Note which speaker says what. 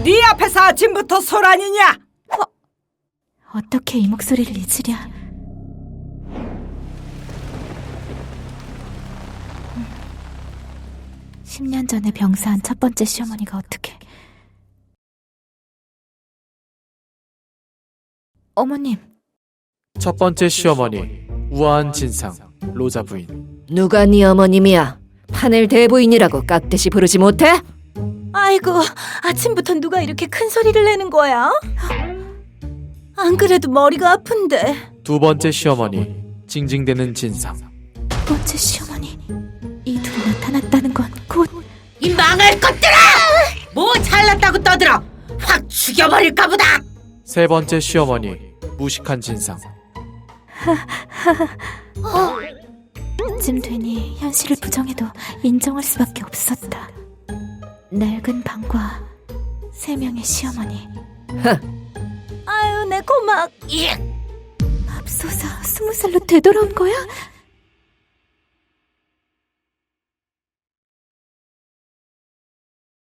Speaker 1: 네 앞에서 아침부터 소란이냐?
Speaker 2: 어떻게 이 목소리를 잊으랴. 10년 전에 병사한 첫 번째 시어머니가 어떻게... 어머님.
Speaker 3: 첫 번째 시어머니 우아한 진상 로자 부인.
Speaker 4: 누가 네 어머님이야? 파넬 대부인이라고 깍듯이 부르지 못해?
Speaker 5: 아이고, 아침부터 누가 이렇게 큰 소리를 내는 거야? 안 그래도 머리가 아픈데.
Speaker 3: 두 번째 시어머니 징징대는 진상.
Speaker 2: 두 번째 시어머니. 이 둘이 나타났다는 건 곧...
Speaker 1: 이 망할 것들아! 뭐 잘났다고 떠들어! 확 죽여버릴까 보다!
Speaker 3: 세 번째 시어머니 무식한 진상.
Speaker 2: 쯤 되니 현실을 부정해도 인정할 수밖에 없었다. 낡은 방과 3명의 시어머니.
Speaker 5: 아유, 내 고막.
Speaker 2: 맙소사 20살로 되돌아온 거야?